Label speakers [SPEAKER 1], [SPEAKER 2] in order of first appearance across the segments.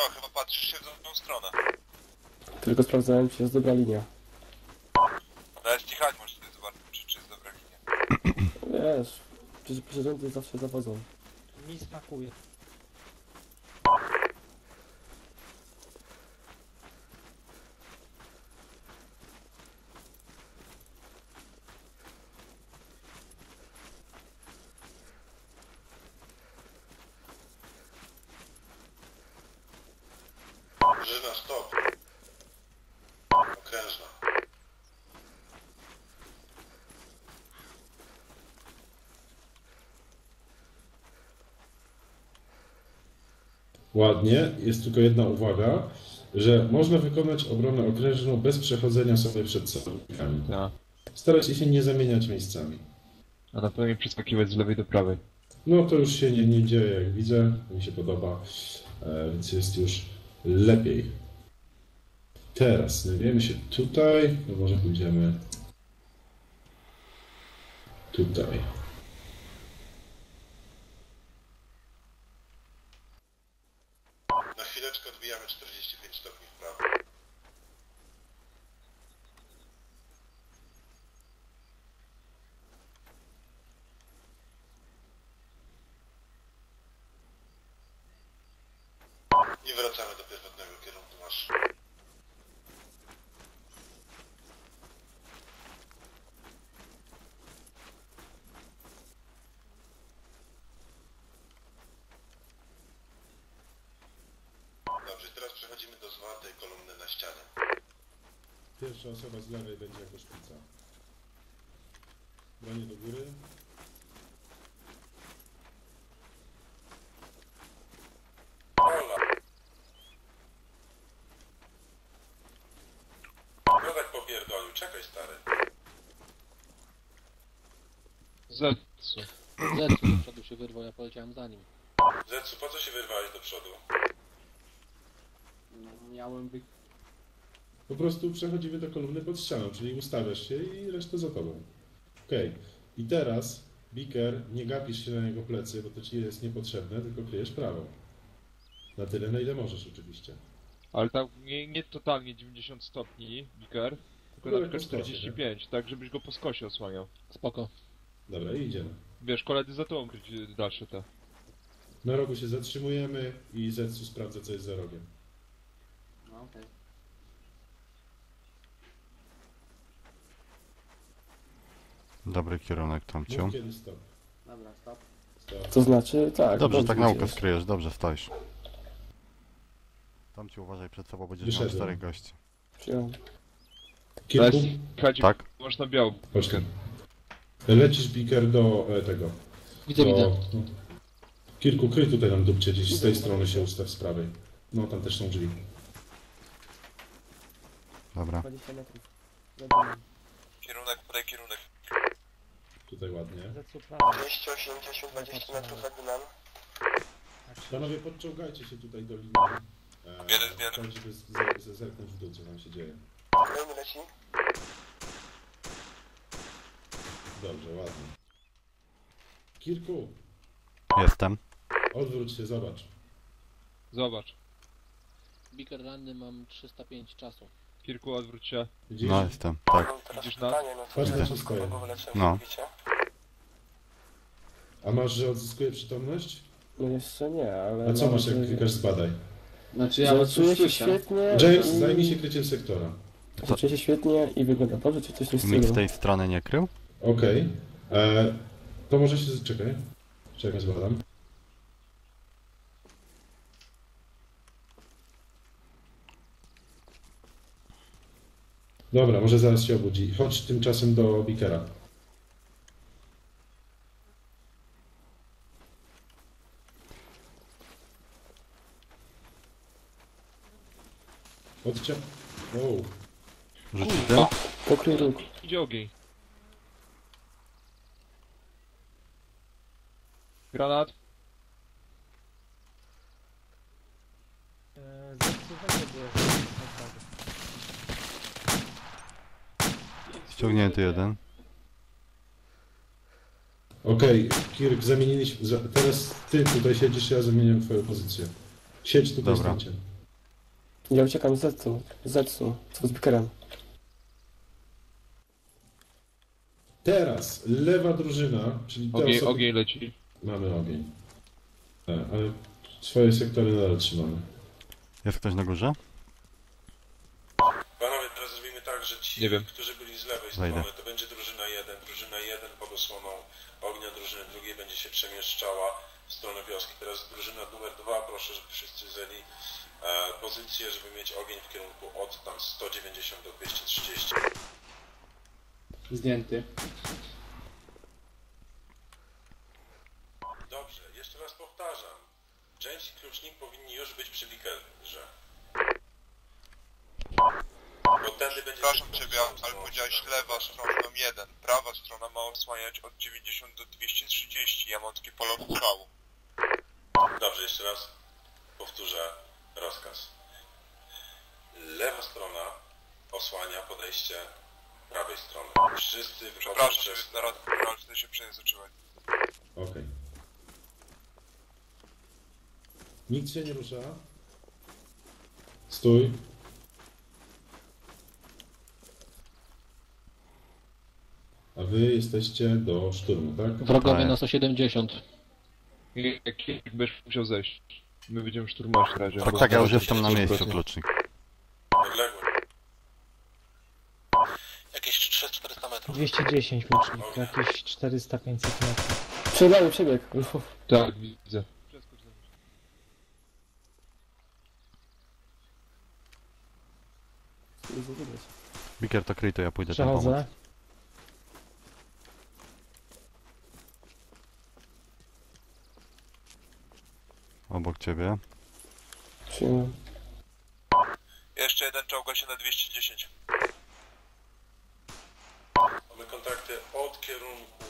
[SPEAKER 1] działa, chyba patrzysz się w dobrą stronę.
[SPEAKER 2] Tylko sprawdzałem, czy jest dobra linia.
[SPEAKER 1] Nawet kichać możesz sobie zobaczyć, czy jest dobra linia.
[SPEAKER 2] Wiesz, przecież przyrządy zawsze zawodzą.
[SPEAKER 3] Mi smakuje.
[SPEAKER 4] Żyna, stop. Okrężna.
[SPEAKER 5] Ładnie, jest tylko jedna uwaga, że można wykonać obronę okrężną bez przechodzenia sobie przed sojusznikami.
[SPEAKER 6] Tak.
[SPEAKER 5] Starajcie się nie zamieniać miejscami.
[SPEAKER 6] A na pewno nie przeskakiwać z lewej do prawej.
[SPEAKER 5] No to już się nie dzieje, jak widzę, mi się podoba, więc jest już lepiej. Teraz znajdujemy się tutaj, no może pójdziemy tutaj.
[SPEAKER 4] Na chwileczkę odbijamy 45 stopni w prawo. I wracamy do pierwotnego kierunku marszu. Dobrze, teraz przechodzimy do zwartej kolumny na ścianie.
[SPEAKER 5] Pierwsza osoba z lewej będzie jako szpica. Branie do góry.
[SPEAKER 1] Ola. Piotrek popierdolił, czekaj stary.
[SPEAKER 6] Zetsu.
[SPEAKER 3] Zetsu do przodu się wyrwał, ja poleciałem za nim.
[SPEAKER 1] Zetsu, po co się wyrwałeś do przodu?
[SPEAKER 3] No, miałem wy...
[SPEAKER 5] Po prostu przechodzimy do kolumny pod ścianą, czyli ustawiasz się i resztę za tobą. Okej. I teraz, Beaker, nie gapisz się na jego plecy, bo to ci jest niepotrzebne, tylko kryjesz prawą. Na tyle, na ile możesz oczywiście.
[SPEAKER 6] Ale tak nie totalnie 90 stopni, Biker, tylko
[SPEAKER 5] No,
[SPEAKER 6] na przykład
[SPEAKER 5] po skosie,
[SPEAKER 6] 45, tak żebyś go po skosie osłaniał.
[SPEAKER 3] Spoko.
[SPEAKER 5] Dobra, i idziemy.
[SPEAKER 6] Wiesz, koledzy za tobą kryć dalsze te.
[SPEAKER 5] Na rogu się zatrzymujemy i Zetsu sprawdza, co jest za rogiem.
[SPEAKER 3] No okej.
[SPEAKER 7] Dobry kierunek, Tomciu.
[SPEAKER 5] Mów kiedy stop.
[SPEAKER 3] Dobra, stop.
[SPEAKER 5] Stop.
[SPEAKER 2] To znaczy, tak.
[SPEAKER 7] Dobrze, tak naukę
[SPEAKER 2] idziesz.
[SPEAKER 7] skryjesz, dobrze stoisz. Tomciu, uważaj, przed sobą będziesz miał
[SPEAKER 5] Wyszedłem.
[SPEAKER 7] 4 gości.
[SPEAKER 2] Przyjąłem.
[SPEAKER 5] Kilku?
[SPEAKER 6] Chodź,
[SPEAKER 7] Tak?
[SPEAKER 6] masz na biało.
[SPEAKER 5] Chodź tu. Lecisz, Beaker, do tego.
[SPEAKER 3] Widzę, widzę.
[SPEAKER 5] Kilku, kryj tutaj nam dupcie, gdzieś z tej strony się ustaw z prawej. No, tam też są drzwi.
[SPEAKER 7] Dobra.
[SPEAKER 2] 20 metrów.
[SPEAKER 1] Kierunek, podaj kierunek.
[SPEAKER 5] Tutaj ładnie.
[SPEAKER 3] Zetsu prawo.
[SPEAKER 4] 280, 20 metrów za górę.
[SPEAKER 5] Panowie, podciągajcie się tutaj do linii.
[SPEAKER 1] Bierę.
[SPEAKER 5] Tak, żeby zerknąć w dół, co tam się dzieje.
[SPEAKER 4] Kolejny leci.
[SPEAKER 5] Dobrze, ładnie. Kirku,
[SPEAKER 7] Jestem.
[SPEAKER 5] odwróć się, zobacz.
[SPEAKER 6] Zobacz.
[SPEAKER 3] Beaker ranny mam 305 czasu.
[SPEAKER 6] Kirku, odwróć się.
[SPEAKER 5] Widzisz?
[SPEAKER 7] No, jestem. Tak.
[SPEAKER 6] Widzisz nas?
[SPEAKER 5] Patrz na co stoję.
[SPEAKER 7] No.
[SPEAKER 5] A masz, że odzyskuje przytomność?
[SPEAKER 2] No jeszcze nie, ale...
[SPEAKER 5] A co masz, jak klikasz zbadaj?
[SPEAKER 3] Znaczy ja was
[SPEAKER 2] Czuję
[SPEAKER 3] już
[SPEAKER 2] się
[SPEAKER 3] słyszę.
[SPEAKER 2] świetnie.
[SPEAKER 5] James,
[SPEAKER 2] i-
[SPEAKER 5] zajmij się kryciem sektora.
[SPEAKER 2] Czuję się świetnie i wygląda dobrze, czy coś w tym
[SPEAKER 7] Nikt z
[SPEAKER 2] stylu.
[SPEAKER 7] tej strony nie krył?
[SPEAKER 5] Okej. To może się... Czekaj. Czekaj, zbadam. Dobra, może zaraz się obudzi. Chodź tymczasem do Beakera. Odciąg... Wow.
[SPEAKER 7] Rzucić tym?
[SPEAKER 2] Pokryj róg.
[SPEAKER 6] Idzie ogień. Granat.
[SPEAKER 3] Zetsu będzie było.
[SPEAKER 7] Ściągnięty jeden.
[SPEAKER 5] Okej, Kirk, zamieniliśmy... Teraz ty tutaj siedzisz, ja zamieniam twoją pozycję. Siedź tutaj
[SPEAKER 7] Dobra.
[SPEAKER 5] zdjęcie.
[SPEAKER 2] Ja uciekam z Zetsu. Z Bickerem.
[SPEAKER 5] Teraz lewa drużyna, czyli te osoby...
[SPEAKER 6] Ogień leci.
[SPEAKER 5] Mamy ogień. Ale swoje sektory nadal trzymamy.
[SPEAKER 7] Jest ktoś na górze?
[SPEAKER 4] Panowie, teraz zrobimy tak, że ci,
[SPEAKER 6] Nie wiem.
[SPEAKER 4] którzy byli z lewej
[SPEAKER 7] Wejdę.
[SPEAKER 4] strony, to będzie drużyna 1. Drużyna 1 pod osłoną ognia drużyny drugiej będzie się przemieszczała w stronę wioski. Teraz drużyna numer 2, proszę, żeby wszyscy zajęli pozycję, żeby mieć ogień w kierunku od tam 190 do 230.
[SPEAKER 3] Zdjęty.
[SPEAKER 4] Dobrze, jeszcze raz powtarzam. James i klucznik powinni już być przy Bickerze. Bo tędy będzie...
[SPEAKER 1] Przepraszam ciebie, ale powiedziałeś lewa strona mam 1. Prawa strona ma osłaniać od 90 do 230. Ja mam takie pole strzału.
[SPEAKER 4] Dobrze, jeszcze raz powtórzę rozkaz. Lewa strona osłania podejście prawej strony. Wszyscy wychodzą
[SPEAKER 1] Przepraszam ciebie,
[SPEAKER 4] przez...
[SPEAKER 1] zaraz wtedy się przejęzyczyłem.
[SPEAKER 5] Okej. Nikt się nie rusza. Stój. A wy jesteście do szturmu, tak?
[SPEAKER 3] Wrogowie
[SPEAKER 7] Tak.
[SPEAKER 3] na 170.
[SPEAKER 6] Jak będziesz musiał zejść. My będziemy szturmować w razie.
[SPEAKER 7] Tak,
[SPEAKER 6] albo
[SPEAKER 7] tak, ja już
[SPEAKER 6] zobaczyć,
[SPEAKER 7] jestem na
[SPEAKER 6] co
[SPEAKER 7] miejscu,
[SPEAKER 6] zrobię.
[SPEAKER 7] klucznik.
[SPEAKER 4] Odległy.
[SPEAKER 8] Jakieś 300-400 metrów.
[SPEAKER 9] 210 klucznik, jakieś 400-500 metrów.
[SPEAKER 2] Przebieg.
[SPEAKER 6] Tak, widzę.
[SPEAKER 7] Biker to kryj, to ja pójdę tam pomóc.
[SPEAKER 9] Przechodzę.
[SPEAKER 7] Obok ciebie.
[SPEAKER 2] Przyjmę.
[SPEAKER 1] Jeszcze jeden czołga się na 210.
[SPEAKER 4] Mamy kontakty od kierunku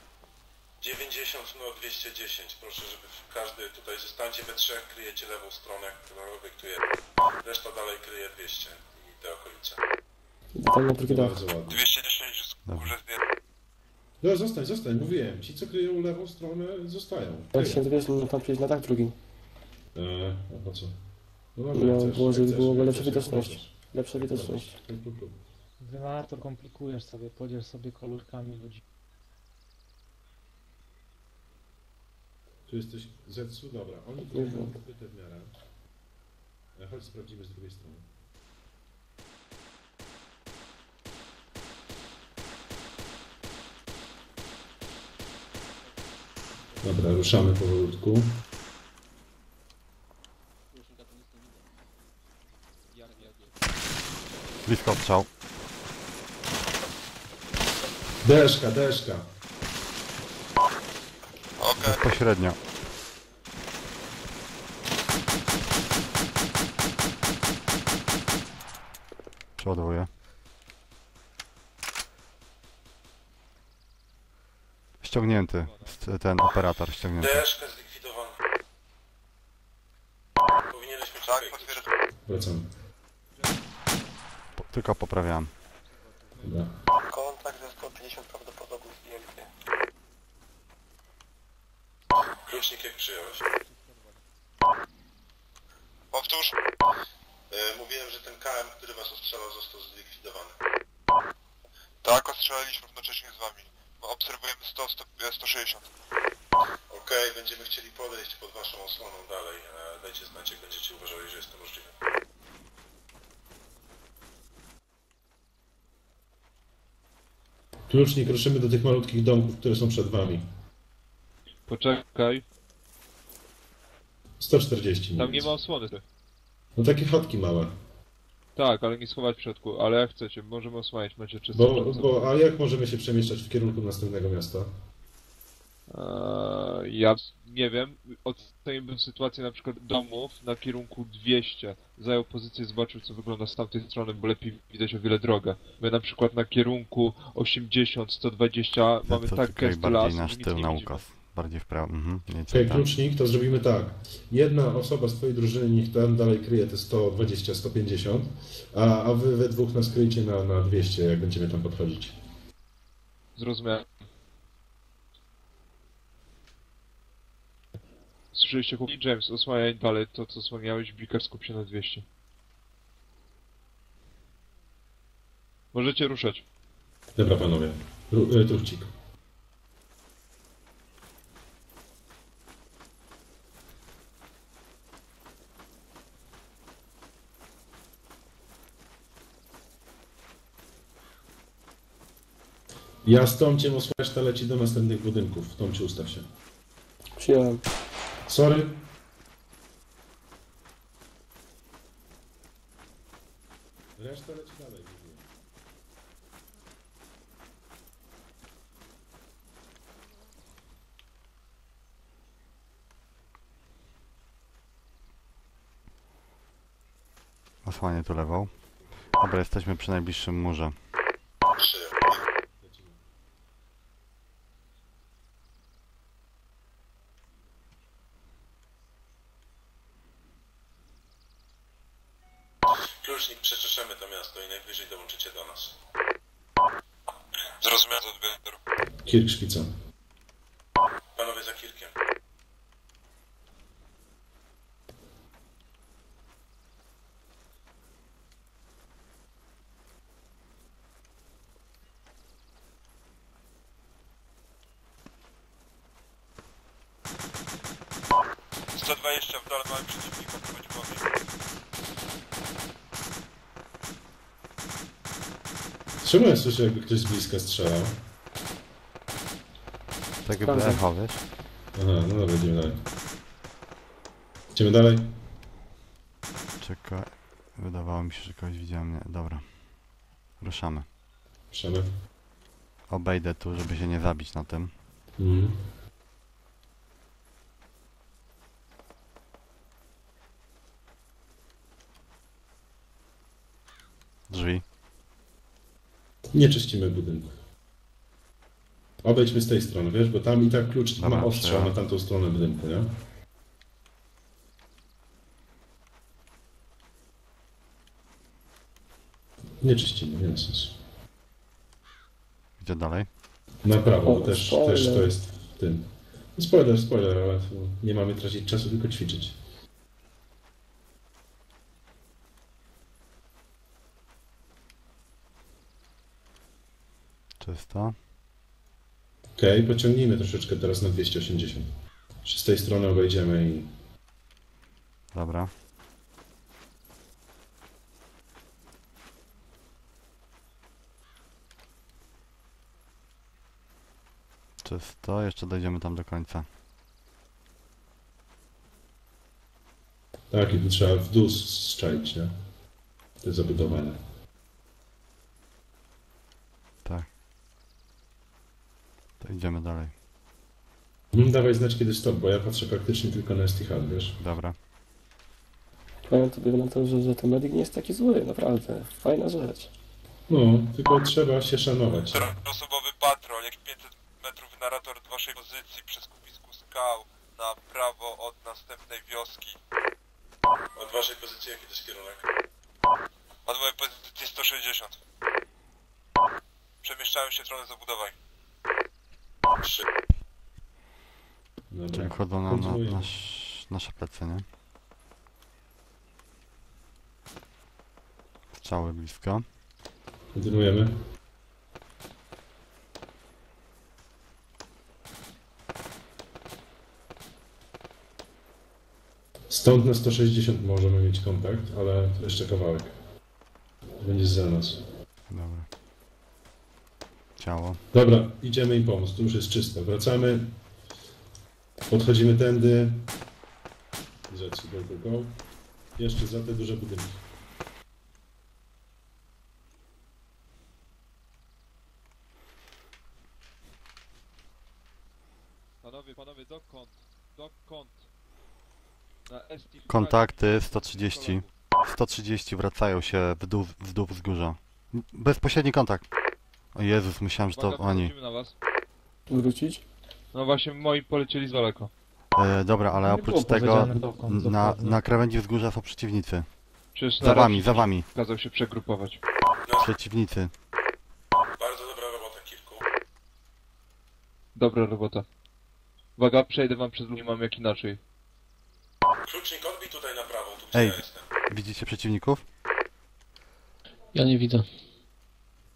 [SPEAKER 4] 90 do 210. Proszę, żeby każdy tutaj zostańcie we trzech, kryjecie lewą stronę, która obiektuje. Reszta dalej kryje 200 i te okolice.
[SPEAKER 2] Tam na drugi dach.
[SPEAKER 5] Bardzo ładnie.
[SPEAKER 1] 210 jest górze zdjęty.
[SPEAKER 5] No zostań, mówiłem. Ci, co kryją lewą stronę, zostają.
[SPEAKER 2] Jak się dowiesz, no tam przyjść na dach drugi.
[SPEAKER 5] A po co? No
[SPEAKER 2] No,
[SPEAKER 5] jak chcesz,
[SPEAKER 2] było, żeby
[SPEAKER 5] jak
[SPEAKER 2] było
[SPEAKER 5] chcesz,
[SPEAKER 2] lepsza
[SPEAKER 5] jak chcesz,
[SPEAKER 2] widoczność.
[SPEAKER 5] jak chcesz.
[SPEAKER 2] Lepsza widoczność.
[SPEAKER 5] Dobra.
[SPEAKER 9] Dwa to komplikujesz sobie, podziel sobie kolorkami ludzi.
[SPEAKER 5] Tu jesteś Zetsu? Dobra. Oni tu mają ukryte w miarę. Chodź sprawdzimy z drugiej strony. Dobra, ruszamy powolutku.
[SPEAKER 7] Blisko obstrzał.
[SPEAKER 5] Deszka.
[SPEAKER 1] Okej.
[SPEAKER 7] Bezpośrednio. Przeładowuję. Ściągnięty. Ten operator ściągnięty.
[SPEAKER 4] Deszka zlikwidowany. Powinieneśmy
[SPEAKER 1] Tak,
[SPEAKER 4] czekać.
[SPEAKER 1] potwierdzam.
[SPEAKER 5] Wracamy.
[SPEAKER 7] Tylko poprawiałem.
[SPEAKER 5] Dobra.
[SPEAKER 8] Kontakt ze 150 prawdopodobnie zdjęty.
[SPEAKER 4] Klucznik jak przyjąłeś?
[SPEAKER 1] Powtórz.
[SPEAKER 4] Mówiłem, że ten KM, który was ostrzelał, został zlikwidowany.
[SPEAKER 1] Tak, ostrzelaliśmy równocześnie z wami. Obserwujemy 160.
[SPEAKER 4] Okej, będziemy chcieli podejść pod waszą osłoną dalej. Dajcie znać, jak będziecie uważali, że jest to możliwe.
[SPEAKER 5] Klucznik, ruszymy do tych malutkich domków, które są przed wami.
[SPEAKER 6] Poczekaj.
[SPEAKER 5] 140
[SPEAKER 6] Tam nie
[SPEAKER 5] mniej
[SPEAKER 6] ma osłony.
[SPEAKER 5] No takie chatki małe.
[SPEAKER 6] Tak, ale nie schować w środku. Ale jak chcecie, możemy osłaniać, macie czysto.
[SPEAKER 5] A jak możemy się przemieszczać w kierunku następnego miasta?
[SPEAKER 6] Ja nie wiem, oceniłbym sytuację na przykład domów na kierunku 200. Zajął pozycję, zobaczył co wygląda z tamtej strony, bo lepiej widać o wiele drogę. My na przykład na kierunku 80, 120 mamy
[SPEAKER 7] To
[SPEAKER 6] tak
[SPEAKER 7] tutaj
[SPEAKER 6] gęsty
[SPEAKER 7] bardziej
[SPEAKER 6] las,
[SPEAKER 7] nasz
[SPEAKER 6] że nic
[SPEAKER 7] tył
[SPEAKER 6] nie
[SPEAKER 7] na
[SPEAKER 6] widzimy.
[SPEAKER 7] ukaz. Bardziej w prawo. Mniej
[SPEAKER 5] Okej,
[SPEAKER 7] tam.
[SPEAKER 5] klucznik, to zrobimy tak. Jedna osoba z twojej drużyny niech tam dalej kryje te 120, 150, a wy we dwóch nas kryjcie na 200, jak będziemy tam podchodzić.
[SPEAKER 6] Zrozumiałem. Słyszeliście chłopaki? James, osłaniaj dalej to co osłaniałeś, Biker skup się na 200. Możecie ruszać.
[SPEAKER 5] Dobra, panowie. Truchcik. Ja z Tomciem reszta leci do następnych budynków. Tomcie, ustaw się.
[SPEAKER 2] Przyjąłem.
[SPEAKER 5] Sorry. Reszta leci dalej.
[SPEAKER 7] Osłanię tu lewą. Dobra, jesteśmy przy najbliższym murze.
[SPEAKER 4] Przyjął. Klucznik, przeczeszemy to miasto i najwyżej dołączycie do nas.
[SPEAKER 1] Zrozumiano odbioru.
[SPEAKER 5] Kirk szpica.
[SPEAKER 4] Panowie za Kirkiem.
[SPEAKER 1] W dole mamy przeciwnika, prowadzi ogień.
[SPEAKER 5] Czemu ja słyszę, jakby ktoś z bliska strzelał?
[SPEAKER 7] Tak jakby echo, wiesz?
[SPEAKER 5] Aha, no dobra, idziemy dalej. Idziemy dalej.
[SPEAKER 7] Czekaj. Wydawało mi się, że kogoś widziałem. Nie, dobra. Ruszamy.
[SPEAKER 5] Ruszamy.
[SPEAKER 7] Obejdę tu, żeby się nie zabić na tym.
[SPEAKER 5] Mhm.
[SPEAKER 7] Drzwi.
[SPEAKER 5] Nie czyścimy budynku. Obejdźmy z tej strony, wiesz, bo tam i tak klucz
[SPEAKER 7] Dobra,
[SPEAKER 5] ma ostrzał
[SPEAKER 7] przyjąłem.
[SPEAKER 5] na tamtą stronę budynku, nie? Nie czyścimy, nie ma sensu.
[SPEAKER 7] Gdzie dalej?
[SPEAKER 5] Na prawo,
[SPEAKER 2] O,
[SPEAKER 5] bo też
[SPEAKER 2] spoiler.
[SPEAKER 5] to jest w tym. No spoiler, ale tu nie mamy tracić czasu, tylko ćwiczyć.
[SPEAKER 7] Czysto.
[SPEAKER 5] Okej, pociągnijmy troszeczkę teraz na 280. Czy z tej strony obejdziemy i...
[SPEAKER 7] Dobra. Czysto. Jeszcze dojdziemy tam do końca.
[SPEAKER 5] Tak, i tu trzeba w dół strzelić, nie? Te zabudowane.
[SPEAKER 7] Tak. To idziemy dalej.
[SPEAKER 5] Dawaj znać kiedy stop, bo ja patrzę praktycznie tylko na ST Hub, wiesz?
[SPEAKER 7] Dobra.
[SPEAKER 2] Powiem tobie na to, że ten medyk nie jest taki zły, naprawdę. Fajna rzecz.
[SPEAKER 5] No, tylko trzeba się szanować.
[SPEAKER 1] Czteroosobowy patrol, jak 500 metrów narrator od waszej pozycji przy skupisku skał na prawo od następnej wioski.
[SPEAKER 4] Od waszej pozycji jaki to jest kierunek?
[SPEAKER 1] Od mojej pozycji 160. Przemieszczają się w stronę zabudowań.
[SPEAKER 4] 3.
[SPEAKER 5] Dobra.
[SPEAKER 7] Czyli wchodzą nam na
[SPEAKER 5] kontynuujemy.
[SPEAKER 7] nasze plecy, nie? Strzały blisko.
[SPEAKER 5] Kontynuujemy. Stąd na 160 możemy mieć kontakt, ale to jeszcze kawałek. Będzie za nas.
[SPEAKER 7] Dobra. Ciało.
[SPEAKER 5] Dobra, idziemy im pomóc, tu już jest czysto. Wracamy. Podchodzimy tędy. Rzeczy, go. Jeszcze za te duże budynki.
[SPEAKER 6] Panowie, dokąd? Dokąd? Na ST.
[SPEAKER 7] Kontakty 130. 130 wracają się w dół wzgórza. Bezpośredni kontakt. O Jezus, myślałem, że to
[SPEAKER 6] Uwaga,
[SPEAKER 7] oni.
[SPEAKER 6] podchodzimy na was.
[SPEAKER 2] Wrócić?
[SPEAKER 6] No właśnie, moi polecieli z daleko.
[SPEAKER 7] Dobra, ale
[SPEAKER 9] Nie
[SPEAKER 7] oprócz
[SPEAKER 9] było
[SPEAKER 7] tego
[SPEAKER 9] powiedziane dokąd dokładnie.
[SPEAKER 7] na krawędzi wzgórza są przeciwnicy.
[SPEAKER 6] Przecież
[SPEAKER 7] Za wami,
[SPEAKER 6] narrator
[SPEAKER 7] za wami.
[SPEAKER 6] kazał się przegrupować.
[SPEAKER 7] Przeciwnicy.
[SPEAKER 4] Bardzo dobra robota, Kirku.
[SPEAKER 6] Dobra robota. Uwaga, przejdę wam przez ludzi, mam jak inaczej.
[SPEAKER 4] Klucznik, odbij tutaj na prawą, tu gdzie
[SPEAKER 7] Ej.
[SPEAKER 4] ja jestem.
[SPEAKER 7] Widzicie przeciwników?
[SPEAKER 3] Ja nie widzę.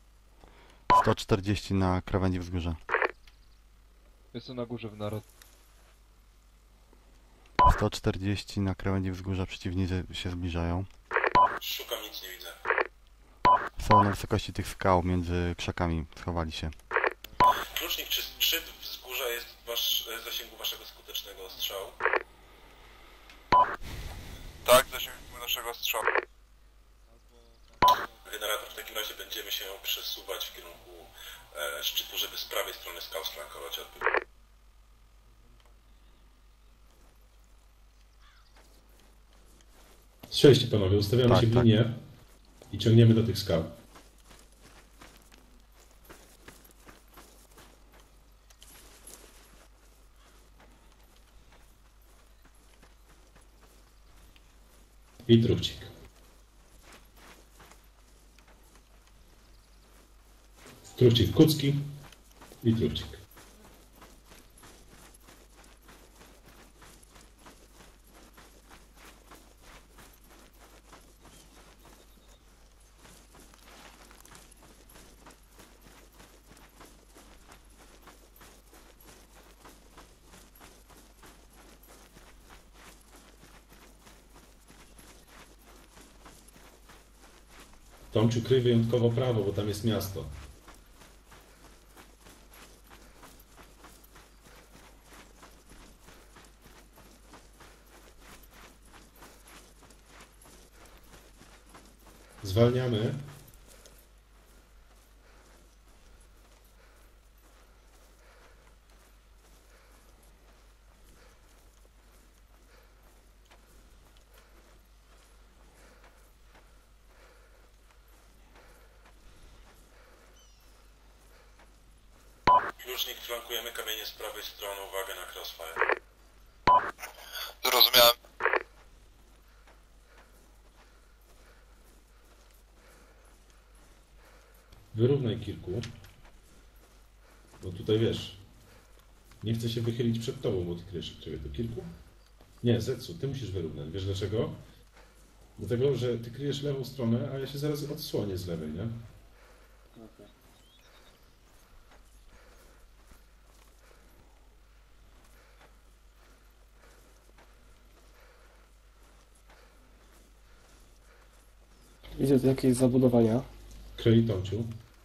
[SPEAKER 7] 140 na krawędzi wzgórza.
[SPEAKER 6] Jestem na górze w naród.
[SPEAKER 7] 140 na krawędzi wzgórza, przeciwnicy się zbliżają.
[SPEAKER 4] Szukam, nic nie widzę.
[SPEAKER 7] Są na wysokości tych skał, między krzakami, schowali się.
[SPEAKER 4] Klucznik, czy szczyt wzgórza jest w zasięgu waszego skutecznego ostrzału?
[SPEAKER 1] Tak, zasięgu naszego strzału.
[SPEAKER 4] Generator, w takim razie będziemy się przesuwać w kierunku szczytu, żeby z prawej strony skał flankować odbiór.
[SPEAKER 5] Strzelcie panowie, ustawiamy
[SPEAKER 7] Tak,
[SPEAKER 5] się w
[SPEAKER 7] tak.
[SPEAKER 5] linię i ciągniemy do tych skał. I truchcik. Truchcik kucki i truchcik. Tomciu, kryj wyjątkowo prawo, bo tam jest miasto. Zwalniamy.
[SPEAKER 4] Klucznik, flankujemy kamienie z prawej strony, uwaga na crossfire.
[SPEAKER 1] Zrozumiałem.
[SPEAKER 5] Wyrównaj kilku. Bo tutaj wiesz, nie chcę się wychylić przed tobą, bo ty kryjesz ciebie do kilku. Nie, Zetsu, ty musisz wyrównać. Wiesz dlaczego? Dlatego, że ty kryjesz lewą stronę, a ja się zaraz odsłonię z lewej, nie?
[SPEAKER 2] Widzę tu jakieś zabudowania.
[SPEAKER 5] Kroi Tomciu.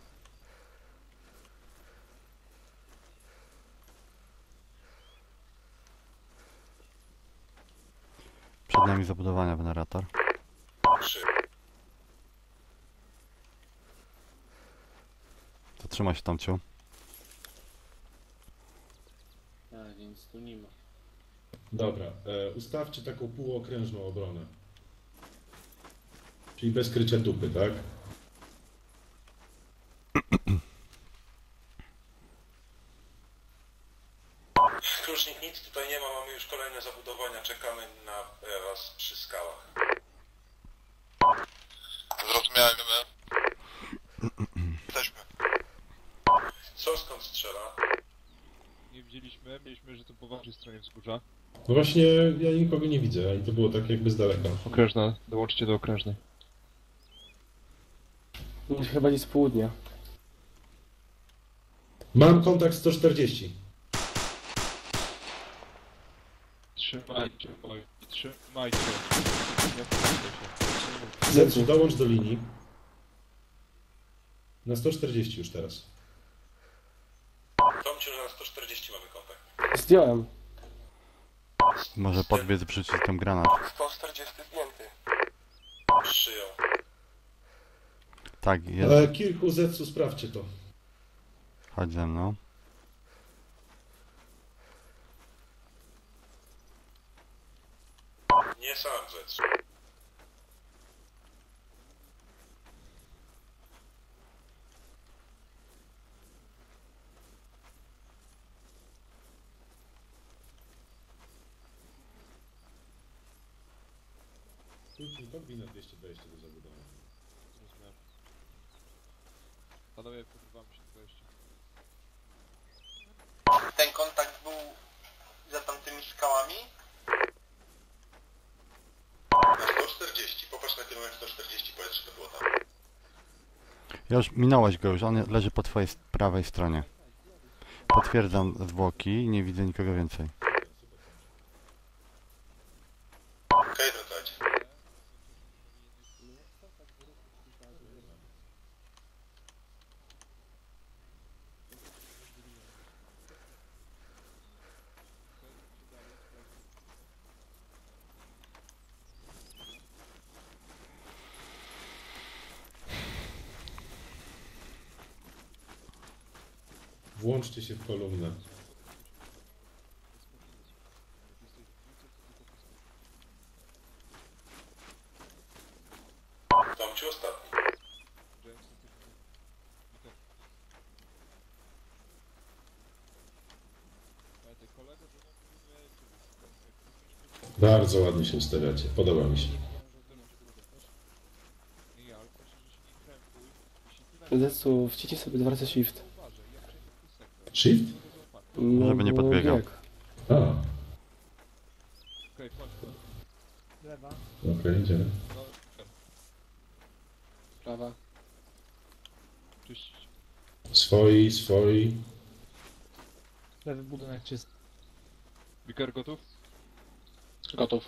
[SPEAKER 7] Przed nami zabudowania, generator.
[SPEAKER 4] 3.
[SPEAKER 7] Zatrzymaj się, Tomciu.
[SPEAKER 3] A, więc tu nie ma.
[SPEAKER 5] Dobra, ustawcie taką półokrężną obronę. Czyli bez krycia dupy, tak?
[SPEAKER 4] Klucznik, nic tutaj nie ma, mamy już kolejne zabudowania, czekamy na was przy skałach.
[SPEAKER 1] Zrozumiałem. Jesteśmy.
[SPEAKER 4] Co, skąd strzela?
[SPEAKER 6] Nie widzieliśmy, mieliśmy, że to po waszej stronie wzgórza.
[SPEAKER 5] No właśnie, ja nikogo nie widzę, i to było tak jakby z daleka.
[SPEAKER 6] Okrężna, dołączcie do okrężnej.
[SPEAKER 2] Chyba gdzieś z południa.
[SPEAKER 5] Mam kontakt 140.
[SPEAKER 6] Trzymajcie, oj, trzymajcie. Nie wpuszczę się.
[SPEAKER 5] Zetsu, dołącz do linii. Na 140 już teraz.
[SPEAKER 4] Tomciu, że na 140 mamy kontakt.
[SPEAKER 2] Zdjąłem.
[SPEAKER 7] Może podbiec, wrzucić tam granat.
[SPEAKER 8] 140 zdjęty.
[SPEAKER 4] Przyjął.
[SPEAKER 7] Tak, jest.
[SPEAKER 5] Kilku Zetsu, sprawdźcie to.
[SPEAKER 7] Chodź ze mną.
[SPEAKER 4] Nie sam rzecz.
[SPEAKER 5] Podbij na 220 do zabudowy.
[SPEAKER 6] Rozumiem. Panowie, pokrywamy się 20.
[SPEAKER 8] Ten kontakt był za tamtymi skałami?
[SPEAKER 4] Na 140, popatrz na kierunek 140, powiedz, że to było tam.
[SPEAKER 7] Już minąłeś go już, on leży po twojej prawej stronie. Potwierdzam zwłoki, nie widzę nikogo więcej.
[SPEAKER 4] Okej, wracajcie.
[SPEAKER 5] Włączcie się w kolumnę.
[SPEAKER 4] Tomciu ostatni.
[SPEAKER 5] Bardzo ładnie się ustawiacie. Podoba mi się.
[SPEAKER 2] Zecu, wciśnij sobie 2 razy shift.
[SPEAKER 5] Shift?
[SPEAKER 2] No,
[SPEAKER 7] Żeby nie
[SPEAKER 2] bo
[SPEAKER 7] podbiegał.
[SPEAKER 2] bieg.
[SPEAKER 5] A,
[SPEAKER 6] Okej, chodź.
[SPEAKER 9] Lewa.
[SPEAKER 5] okej, idziemy.
[SPEAKER 3] Prawa.
[SPEAKER 6] Czyścić.
[SPEAKER 5] Swoi.
[SPEAKER 9] Lewy budynek czysty.
[SPEAKER 6] Biker gotów?
[SPEAKER 3] Gotów.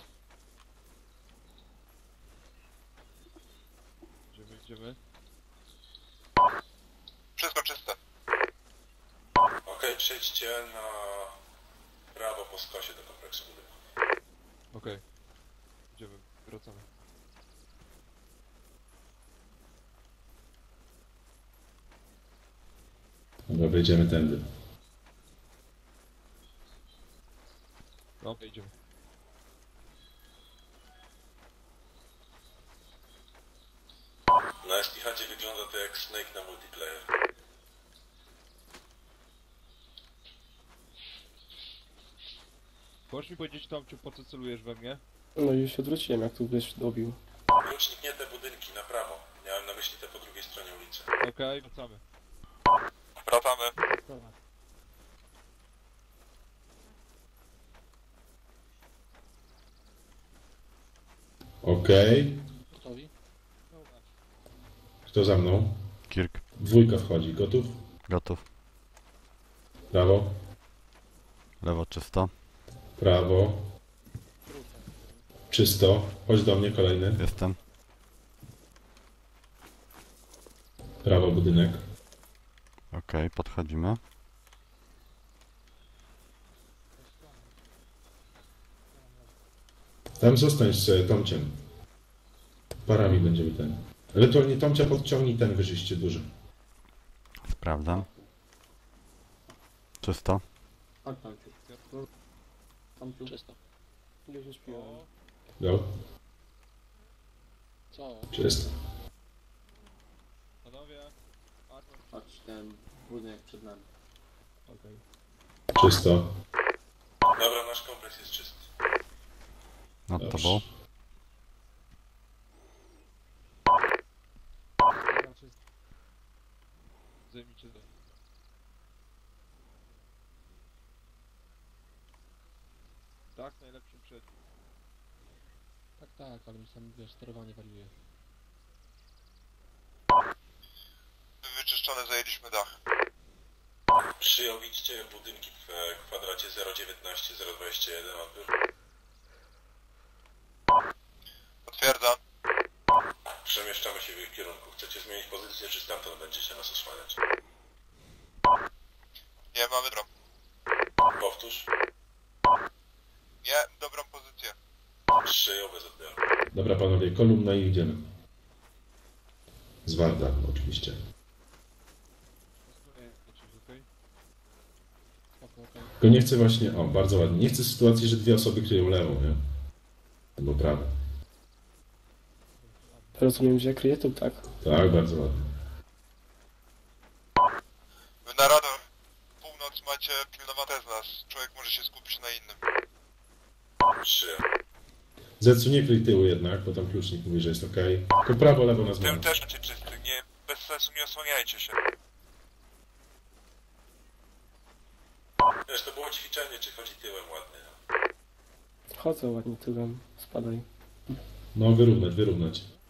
[SPEAKER 6] Idziemy.
[SPEAKER 1] Wszystko czyste.
[SPEAKER 4] Okej, przejdźcie na prawo po skosie do kompleksu budynku.
[SPEAKER 6] Okej. Idziemy, wracamy.
[SPEAKER 5] Dobra, wejdziemy tędy.
[SPEAKER 6] No, idziemy.
[SPEAKER 4] Na STH wygląda to jak Snake na multiplayer.
[SPEAKER 6] Możesz mi powiedzieć, Tomciu, po co celujesz we mnie?
[SPEAKER 2] No i już się odwróciłem, jak tu byś dobił.
[SPEAKER 4] Klucznik nie te budynki, na prawo. Miałem na myśli te po drugiej stronie ulicy.
[SPEAKER 6] Okej, wracamy.
[SPEAKER 1] Wracamy.
[SPEAKER 9] Prawa.
[SPEAKER 5] Okej.
[SPEAKER 3] Gotowi?
[SPEAKER 5] Kto za mną?
[SPEAKER 7] Kirk,
[SPEAKER 5] Dwójka wchodzi. Gotów?
[SPEAKER 7] gotów.
[SPEAKER 5] Prawo.
[SPEAKER 7] Lewo czysto.
[SPEAKER 5] Prawo. Czysto. Chodź do mnie, kolejny.
[SPEAKER 7] Jestem.
[SPEAKER 5] Prawo budynek.
[SPEAKER 7] Okej, podchodzimy.
[SPEAKER 5] Tam zostań z Tomciem. Parami będziemy ten. Ewentualnie Tomcia podciągnij ten wyżyście duży.
[SPEAKER 7] Sprawdzam. Czysto.
[SPEAKER 3] Chodź Tomciu. Czysto.
[SPEAKER 2] Już nie śpiłem.
[SPEAKER 5] Go.
[SPEAKER 3] Co?
[SPEAKER 5] Czysto.
[SPEAKER 6] Panowie, Arnold.
[SPEAKER 3] Chodź, ten budynek przed nami.
[SPEAKER 6] Okej.
[SPEAKER 5] Czysto.
[SPEAKER 4] Dobra, nasz kompleks jest czysty.
[SPEAKER 7] Nad
[SPEAKER 5] Dobrze.
[SPEAKER 7] tobą.
[SPEAKER 9] Lewa czysta.
[SPEAKER 6] Zajmijcie to. Tak, najlepszym przed.
[SPEAKER 3] Tak, ale mi sam, wiesz, sterowanie wariuje.
[SPEAKER 1] Wyczyszczone, zajęliśmy dach.
[SPEAKER 4] Przyjął, widzicie budynki w kwadracie 019-021 odbiór.
[SPEAKER 1] Potwierdzam.
[SPEAKER 4] Przemieszczamy się w ich kierunku. Chcecie zmienić pozycję, czy stamtąd będziecie nas osłaniać?
[SPEAKER 1] Nie, mamy dobrą.
[SPEAKER 4] Powtórz.
[SPEAKER 1] Nie, dobrą pozycję.
[SPEAKER 4] Przyjął bez odbioru.
[SPEAKER 5] Dobra panowie, kolumna i idziemy. Z Warda oczywiście.
[SPEAKER 6] Okej.
[SPEAKER 3] Okej.
[SPEAKER 5] Tylko nie chcę właśnie, o bardzo ładnie, nie chcę sytuacji, że dwie osoby kryją lewą, nie? Albo prawą.
[SPEAKER 2] Rozumiem, że ja kryję tu, tak?
[SPEAKER 5] Tak, bardzo ładnie.
[SPEAKER 1] Wy na radar północ macie pilnowane z nas. Człowiek może się skupić na innym.
[SPEAKER 4] Przyjął.
[SPEAKER 5] Zecu nie kryj tyłu jednak, bo tam klucznik mówi, że jest ok. Tylko prawo, lewo na
[SPEAKER 1] Tym
[SPEAKER 5] zmianę.
[SPEAKER 1] też macie czysty. Nie, bez sensu nie osłaniajcie się.
[SPEAKER 4] Wiesz, to było ćwiczenie, czy chodzi tyłem ładnie.
[SPEAKER 2] Chodzę ładnie tyłem, spadaj.
[SPEAKER 5] No wyrównać.